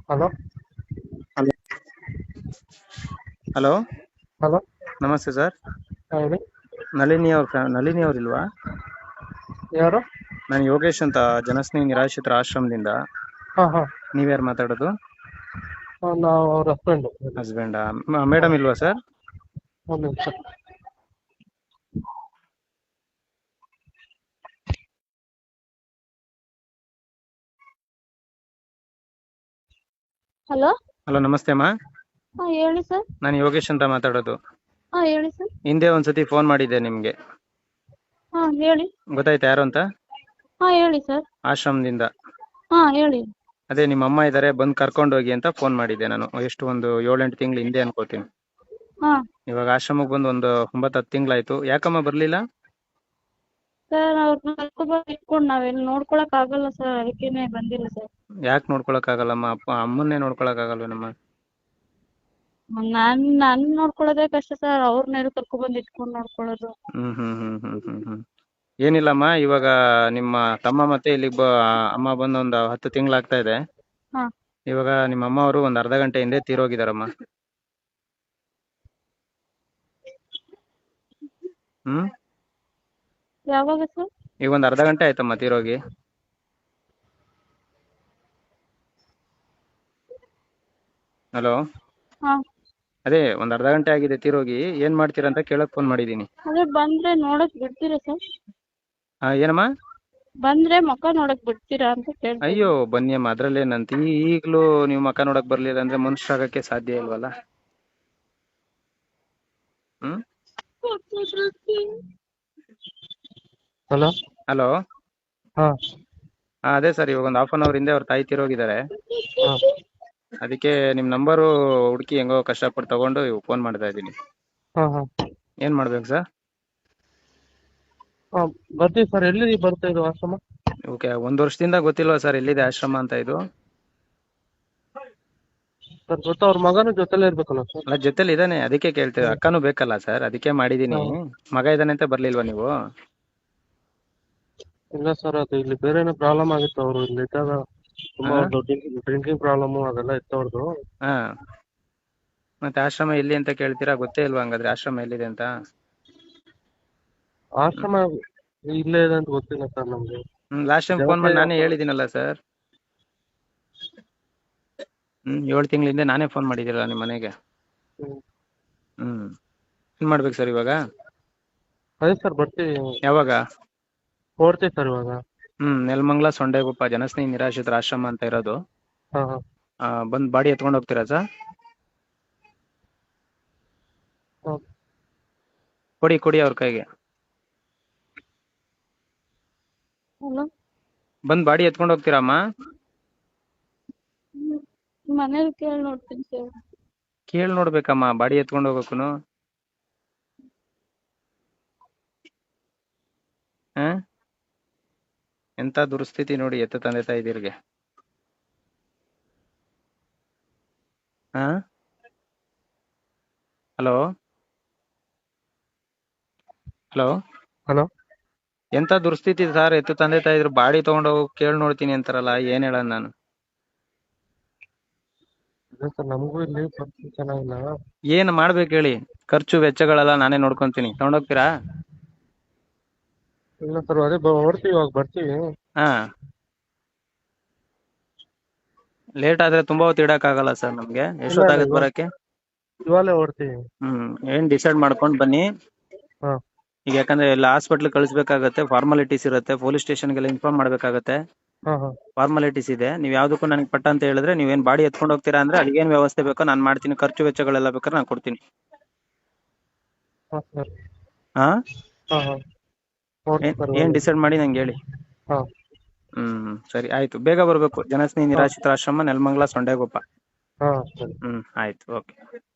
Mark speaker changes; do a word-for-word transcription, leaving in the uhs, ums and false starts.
Speaker 1: Hello
Speaker 2: hello hello
Speaker 1: hello
Speaker 2: ನಮಸ್ತೆ sir.
Speaker 1: ಹೇಳಿ.
Speaker 2: ನಳಿನಿ ಅವ್ರ ಫ್ಯಾ ನಳಿನಿ ಅವ್ರಿಲ್ವಾ?
Speaker 1: ಯಾರು?
Speaker 2: ನಾನು ಯೋಗೇಶ್ ಅಂತ, ಜನಸ್ನೇಹಿ ನಿರಾಶ್ರಿತರ ಆಶ್ರಮದಿಂದ.
Speaker 1: ಹಾ ಹಾ
Speaker 2: ನೀವ್ಯಾರು ಮಾತಾಡೋದು?
Speaker 1: ನಾವು ಅವ್ರ ಹಸ್ಬೆಂಡ್.
Speaker 2: ಹಸ್ಬೆಂಡಾ? ಮೇಡಮ್ ಇಲ್ವಾ ಸರ್?
Speaker 1: ಒಂದು ನಿಮಿಷ. ಹಲೋ
Speaker 2: ಹಲೋ, ನಮಸ್ತೆ ಅಮ್ಮ.
Speaker 1: ಹಾ ಹೇಳಿ ಸರ್.
Speaker 2: ನಾನು ಯೋಗೇಶ್ ಅಂತ ಮಾತಾಡೋದು.
Speaker 1: ಹಾ ಹೇಳಿ ಸರ್.
Speaker 2: ಹಿಂದೆ ಒಂದ್ಸತಿ ಫೋನ್ ಮಾಡಿದ್ದೆ ನಿಮ್ಗೆ,
Speaker 1: ಹಾ ಹೇಳಿ.
Speaker 2: ಗೊತ್ತಾಯ್ತಾ ಯಾರು ಅಂತ?
Speaker 1: ಹಾ ಹೇಳಿ ಸರ್.
Speaker 2: ಆಶ್ರಮದಿಂದ.
Speaker 1: ಹಾ ಹೇಳಿ.
Speaker 2: ಅದೇ ನಿಮ್ಮ ಅಮ್ಮ ಇದಾರೆ, ಬಂದು ಕರ್ಕೊಂಡು ಹೋಗಿ ಅಂತ ಫೋನ್ ಮಾಡಿದ್ದೆ ನಾನು. ಎಷ್ಟು ಒಂದು ಏಳೆಂಟು ತಿಂಗಳು ಹಿಂದೆ ಅನ್ಕೋತೀನಿ.
Speaker 1: ಹಾ
Speaker 2: ಇವಾಗ ಆಶ್ರಮಕ್ಕೆ ಬಂದು ಒಂದು ಒಂಬತ್ತು ಹತ್ತು ತಿಂಗಳಾಯ್ತು. ಯಾಕಮ್ಮ ಬರ್ಲಿಲ್ಲ?
Speaker 1: ಸರ್ ಅವ್ರನ್ನ ಕರ್ಕೊಂಡ್ಬಂದು ಇಟ್ಕೊಂಡು ನಾವೆಲ್ಲಿ ನೋಡ್ಕೊಳಕ್ ಆಗಲ್ಲ ಸರ್, ಅದಕ್ಕೇನೆ ಬಂದಿಲ್ಲ ಸರ್.
Speaker 2: ಯಾಕೆ ನೋಡ್ಕೊಳಕ್ ಆಗಲ್ಲಮ್ಮ? ಅಪ್ಪ ಅಮ್ಮನ್ನೇ ನೋಡ್ಕೊಳಕ್ ಆಗಲ್ವೇನಮ್ಮ?
Speaker 1: ನಾನ್ ನನ್ ನೋಡ್ಕೊಳ್ಳೋದೇ ಕಷ್ಟ ಸರ್, ಅವ್ರನ್ನೆಲ್ಲ ಕರ್ಕೊಂಡ್ಬಂದು ಇಟ್ಕೊಂಡು ನೋಡ್ಕೊಳ್ಳೋದು.
Speaker 2: ಹ್ಮ್ ಹ್ಮ್ ಹ್ಮ್ ಹ್ಮ್ ಹ್ಮ್ ಹ್ಮ್ ಏನಿಲ್ಲಮ್ಮ, ಇವಾಗ ನಿಮ್ಮ ತಮ್ಮ ಮತ್ತೆ ಇಲ್ಲಿಗೆ ಬ ಅಮ್ಮ ಬಂದು ಒಂದು ಹತ್ತು ತಿಂಗಳಾಗ್ತಾ ಇದೆ.
Speaker 1: ಹಾ
Speaker 2: ಇವಾಗ ನಿಮ್ಮ ಅಮ್ಮ ಅವರು ಒಂದ್ ಅರ್ಧ ಗಂಟೆ ಹಿಂದೆ ತೀರೋಗಿದಾರಮ್ಮ. ಹ್ಮ್
Speaker 1: ಯಾವಾಗ ಸರ್?
Speaker 2: ಈಗ ಒಂದ್ ಅರ್ಧ ಗಂಟೆ ಆಯ್ತಮ್ಮ ತೀರೋಗಿ. ಹಲೋ,
Speaker 1: ಹಾ
Speaker 2: ಅದೇ ಒಂದ್ ಅರ್ಧ ಗಂಟೆ ಆಗಿದೆ ತೀರೋಗಿ. ಏನ್ ಮಾಡ್ತೀರಾ ಅಂತ ಕೇಳಕ್ ಫೋನ್ ಮಾಡಿದೀನಿ.
Speaker 1: ಅದೇ ಬಂದ್ರೆ ನೋಡಕ್ ಬಿಡ್ತೀರಾ ಸರ್?
Speaker 2: ಹಾ, ಏನಮ್ಮ?
Speaker 1: ಬಂದ್ರೆ ಮುಖ ನೋಡಕ್ ಬಿಡ್ತೀರಾ ಅಂತ ಕೇಳ್ತಾ
Speaker 2: ಅಯ್ಯೋ
Speaker 1: ಇದ್ದೀನಿ.
Speaker 2: ಬನ್ನಿ ಅಮ್ಮ, ಅದ್ರಲ್ಲೇನಂತ. ಈ ಈಗ್ಲೂ ನೀವು ಮಕ ನೋಡಕ್ ಬರ್ಲಿಲ್ಲ ಅಂದ್ರೆ ಮನುಷ್ಯರಾಗಕ್ಕೆ ಸಾಧ್ಯ ಇಲ್ವಲ್ಲ. ಹ್ಮ್
Speaker 1: ಹಲೋ
Speaker 2: ಹಲೋ.
Speaker 1: ಹಾ
Speaker 2: ಹಾ ಅದೇ ಸರ್, ಇವಾಗ ಒಂದು ಹಾಫ್ ಅನ್ ಅವರ್ ಹಿಂದೆ ಅವ್ರ ತಾಯಿ ತೀರೋಗಿದ್ದಾರೆ.
Speaker 1: ಹಾ
Speaker 2: ಅದಕ್ಕೆ ನಿಮ್ ನಂಬರು ಹುಡುಕಿ ಹೆಂಗೋ ಕಷ್ಟಪಟ್ಟು ತಗೊಂಡು ಫೋನ್ ಮಾಡ್ತಾ ಇದ್ದೀನಿ.
Speaker 1: ಹಾ ಹಾ
Speaker 2: ಏನ್ ಮಾಡ್ಬೇಕು ಸರ್?
Speaker 1: ಹಾ ಬರ್ತೀವಿ ಸರ್. ಎಲ್ಲಿ ಬರ್ತಾ ಇದು ಆಶ್ರಮ?
Speaker 2: ಓಕೆ, ಒಂದ್ ವರ್ಷದಿಂದ ಗೊತ್ತಿಲ್ವಾ ಸರ್ ಎಲ್ಲಿದೆ ಆಶ್ರಮ ಅಂತ ಇದು?
Speaker 1: ಸರ್ ಗೊತ್ತಾ, ಅವ್ರ ಮಗನೂ ಜೊತೆಲೇ ಇರ್ಬೇಕಲ್ಲ ಸರ್?
Speaker 2: ಅಲ್ಲ, ಜೊತೆಲಿ ಇದಾನೆ, ಅದಕ್ಕೆ ಕೇಳ್ತೀವಿ.
Speaker 1: ಹಾ
Speaker 2: ಅಕ್ಕನೂ ಬೇಕಲ್ಲ ಸರ್, ಅದಕ್ಕೆ ಮಾಡಿದೀನಿ.
Speaker 1: ಹಾ.
Speaker 2: ಮಗ ಇದಾನೆ ಅಂತ ಬರ್ಲಿಲ್ವಾ ನೀವು?
Speaker 1: ಇಲ್ಲ ಸರ್, ಅದು ಇಲ್ಲಿ ಬೇರೆನೇ ಪ್ರಾಬ್ಲಮ್ ಆಗಿತ್ತು. ಅವರು ಇಲ್ಲಿ ಇದ್ದಾಗ
Speaker 2: ಹಾ
Speaker 1: ತುಂಬಾ ಡ್ರಿಂಕಿಂಗ್ ಪ್ರಾಬ್ಲಮ್ ಅದೆಲ್ಲ ಇತ್ತು ಅವ್ರದ್ದು.
Speaker 2: ಹಾ ಮತ್ತೆ ಆಶ್ರಮ ಎಲ್ಲಿ ಅಂತ ಕೇಳ್ತೀರಾ? ಗೊತ್ತೇ ಇಲ್ವಾ ಹಂಗಾದ್ರೆ ಆಶ್ರಮ ಎಲ್ಲಿದೆ ಅಂತ?
Speaker 1: ಆಶ್ರಮ ಇಲ್ಲೇ ಇದೆ ಅಂತ ಗೊತ್ತಿಲ್ಲ ಸರ್ ನಮ್ಗೆ.
Speaker 2: ಹ್ಮ್ ಲಾಸ್ಟ್ ಟೈಮ್ ಫೋನ್ ಮಾಡಿ
Speaker 1: ಜನಪ್ರಿಯ
Speaker 2: ನಾನೇ ಹೇಳಿದ್ದೀನಲ್ಲ ಸರ್. ಹ್ಮ್ ಏಳು ತಿಂಗಳ ಹಿಂದೆ ನಾನೇ ಫೋನ್ ಮಾಡಿದ್ದೀರಲ್ಲ ನಿಮ್ಮ ಮನೆಗೆ.
Speaker 1: ಹ್ಮ್.
Speaker 2: ಹ್ಮ್ ಏನ್ ಮಾಡ್ಬೇಕು ಸರ್ ಇವಾಗ?
Speaker 1: ಅದೇ ಸರ್ ಬರ್ತೀವಿ.
Speaker 2: ಯಾವಾಗ?
Speaker 1: ಹೊರಡ್ತೀವಿ ಸರ್ ಇವಾಗ.
Speaker 2: ಹ್ಮ್ ನೆಲಮಂಗಲ ಸೊಂಡೆಗುಪ್ಪ ಜನಸ್ನೇಹಿ ನಿರಾಶ್ರಿತರ ಆಶ್ರಮ ಅಂತ ಇರೋದು.
Speaker 1: ಹಾ ಹಾ
Speaker 2: ಆ ಬಂದ್ ಬಾಡಿ ಎತ್ಕೊಂಡು ಹೋಗ್ತೀರಾ ಸರ್?
Speaker 1: ಹಾ.
Speaker 2: ಕೊಡಿ ಕೊಡಿ ಅವ್ರ ಕೈಗೆ.
Speaker 1: ಹಲೋ.
Speaker 2: ಬಂದ್ ಬಾಡಿ ಎತ್ಕೊಂಡು ಹೋಗ್ತೀರಮ್ಮ?
Speaker 1: ಮನೇಲಿ ಕೇಳಿ ನೋಡ್ತೀನಿ ಸರ್.
Speaker 2: ಕೇಳಿ ನೋಡ್ಬೇಕಮ್ಮ, ಬಾಡಿ ಎತ್ಕೊಂಡು ಹೋಗಕ್ಕೂನು. ಹ ಎಂತ ದುರ್ಸ್ಥಿತಿ ನೋಡಿ ಎತ್ತ ತಂದೆ ತಾಯಿದಿರ್ಗೆ. ಹಾ ಹಲೋ ಹಲೋ.
Speaker 1: ಹಲೋ.
Speaker 2: ಎಂತ ದುರ್ಸ್ಥಿತಿ ಸರ್, ಎತ್ತು ತಂದೆ ತಾಯಿದ್ರು ಬಾಡಿ ತಗೊಂಡು ಹೋಗಿ ಕೇಳಿ ನೋಡ್ತೀನಿ ಅಂತಾರಲ್ಲ, ಏನ್ ಹೇಳೋಣ ನಾನು?
Speaker 1: ಇಲ್ಲ ಸರ್, ನಮಗೂ ಇಲ್ಲಿ ಪರಿಸ್ಥಿತಿ ಚೆನ್ನಾಗಿಲ್ಲ.
Speaker 2: ಏನ್ ಮಾಡ್ಬೇಕು ಹೇಳಿ? ಖರ್ಚು ವೆಚ್ಚಗಳೆಲ್ಲ ನಾನೇ ನೋಡ್ಕೊಂತೀನಿ, ತಗೊಂಡೋಗ್ತೀರಾ?
Speaker 1: ಇಲ್ಲ ಸರ್, ಅದೇ ಹೊರಡ್ತೀವಿ, ಇವಾಗ ಬರ್ತೀವಿ.
Speaker 2: ಹಾ ಲೇಟ್ ಆದ್ರೆ ತುಂಬಾ ಹೊತ್ತು ಇಡಕ್ ಆಗಲ್ಲ ಸರ್ ನಮ್ಗೆ.
Speaker 1: ಇಲ್ಲ ಇಲ್ಲ,
Speaker 2: ಎಷ್ಟೊತ್ತಾಗತ್
Speaker 1: ಇವಾಗ
Speaker 2: ಬರಕ್ಕೆ?
Speaker 1: ಇವಾಗಲೇ ಹೊರಡ್ತೀವಿ.
Speaker 2: ಹ್ಮ್ ಏನ್ ಡಿಸೈಡ್ ಮಾಡ್ಕೊಂಡ್ ಬನ್ನಿ.
Speaker 1: ಹಾ
Speaker 2: ಈಗ ಯಾಕಂದ್ರೆ ಎಲ್ಲ ಹಾಸ್ಪಿಟ್ಲ್ ಕಳಿಸ್ಬೇಕಾಗತ್ತೆ, ಫಾರ್ಮಾಲಿಟೀಸ್ ಇರುತ್ತೆ, ಪೊಲೀಸ್ ಸ್ಟೇಷನ್ಗೆಲ್ಲ ಇನ್ಫಾರ್ಮ್ ಮಾಡ್ಬೇಕಾಗತ್ತೆ.
Speaker 1: ಹಾ ಹಾ
Speaker 2: ಫಾರ್ಮಾಲಿಟೀಸ್ ಇದೆ. ನೀವ್ ಯಾವ್ದಕ್ಕೂ ನನಗೆ ಪಟ್ಟ ಅಂತ ಹೇಳಿದ್ರೆ, ನೀವೇನ್ ಬಾಡಿ ಎತ್ಕೊಂಡು ಹೋಗ್ತೀರಾ ಅಂದ್ರೆ ಅಲ್ಲಿ ಏನ್ ವ್ಯವಸ್ಥೆ ಬೇಕೋ ನಾನು ಮಾಡ್ತೀನಿ. ಖರ್ಚು ವೆಚ್ಚಗಳೆಲ್ಲ ಬೇಕಾದ್ರೆ ನಾನು ಕೊಡ್ತೀನಿ.
Speaker 1: ಹಾ ಸರ್.
Speaker 2: ಹಾ
Speaker 1: ಹಾ ಹಾ ಹೊರಡ್ತೀವಿ
Speaker 2: ಏನ್
Speaker 1: ಸರ್
Speaker 2: ಏನ್
Speaker 1: ಇವಾಗ.
Speaker 2: ಡಿಸೈಡ್ ಮಾಡಿ ನಂಗೆ ಹೇಳಿ.
Speaker 1: ಹಾ
Speaker 2: ಹ್ಮ್ ಸರಿ ಆಯ್ತು, ಬೇಗ ಬರ್ಬೇಕು. ಜನಸ್ನೇಹಿ
Speaker 1: ಹಾ
Speaker 2: ನಿರಾಶ್ರಿತರ ಆಶ್ರಮ, ನೆಲಮಂಗಲ ಸೊಂಡೆಗುಪ್ಪ.
Speaker 1: ಹಾ ಸರಿ.
Speaker 2: ಹ್ಮ್ ಆಯ್ತು, ಓಕೆ.